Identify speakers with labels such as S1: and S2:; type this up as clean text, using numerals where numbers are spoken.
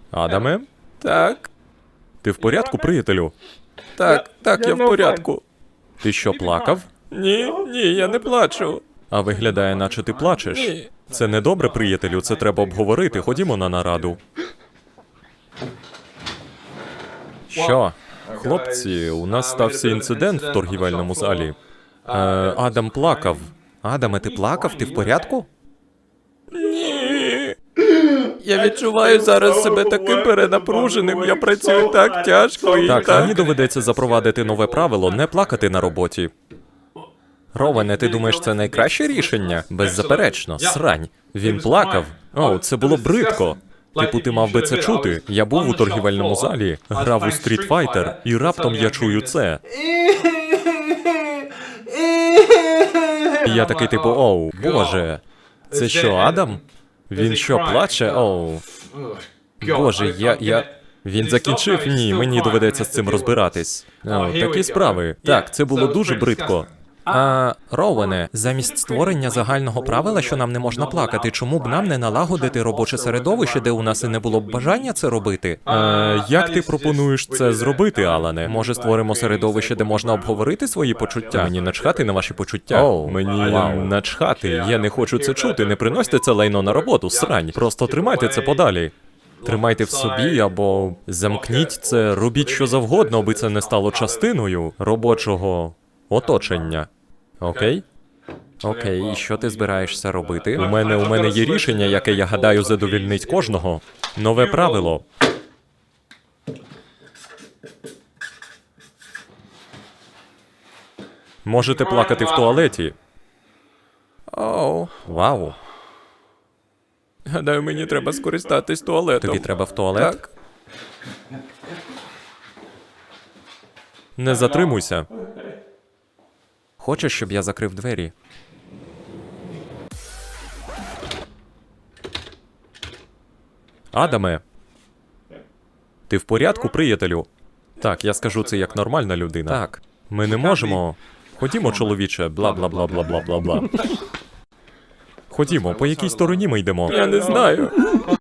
S1: Адаме?
S2: Так,
S1: Ти в порядку, приятелю?
S2: так, я в порядку.
S1: Ти що, плакав?
S2: Ні, я не плачу.
S1: А виглядає, наче ти плачеш.
S2: Ні.
S1: Це не добре, приятелю, це треба обговорити. Ходімо на нараду. Що? Хлопці, у нас стався інцидент в торгівельному залі. Адам плакав. Адаме, ти плакав? Ти в порядку?
S2: Ні. Я відчуваю зараз себе таким перенапруженим, я працюю так тяжко і
S1: Так,
S2: так.
S1: мені доведеться запровадити нове правило не плакати на роботі. Ровене, ти думаєш, це найкраще рішення? Беззаперечно, срань. Він плакав. О, це було бридко. Типу, ти мав би це чути. Я був у торгівельному залі, грав у Street Fighter, і раптом я чую це. І я такий, типу, оу, боже. Це що, Адам? Він що, плаче? Оу. Боже, Він закінчив? Ні, мені доведеться з цим розбиратись. О, такі справи. Так, це було дуже бридко. Ровене, замість створення загального правила, що нам не можна плакати, чому б нам не налагодити робоче середовище, де у нас і не було б бажання це робити? Як ти пропонуєш це зробити, Алане? Може, створимо середовище, де можна обговорити свої почуття? Мені начхати на ваші почуття. Мені начхати. Я не хочу це чути. Не приносьте це лайно на роботу, срань. Просто тримайте це подалі. Тримайте в собі або замкніть це, робіть що завгодно, аби це не стало частиною робочого оточення. Окей? Окей, і що ти збираєшся робити? У мене є рішення, яке, я гадаю, задовільнить кожного. Нове правило. Можете плакати в туалеті.
S2: Оу.
S1: Вау.
S2: Гадаю, мені треба скористатись туалетом.
S1: Тобі треба в туалет?
S2: Так.
S1: Не затримуйся. Хочеш, щоб я закрив двері? Адаме. Ти в порядку, приятелю? Так, я скажу це як нормальна людина. Так. Ми не можемо. Ходімо, чоловіче, бла-бла-бла-бла-бла-бла-бла. Ходімо, по якій стороні ми йдемо?
S2: Я не знаю.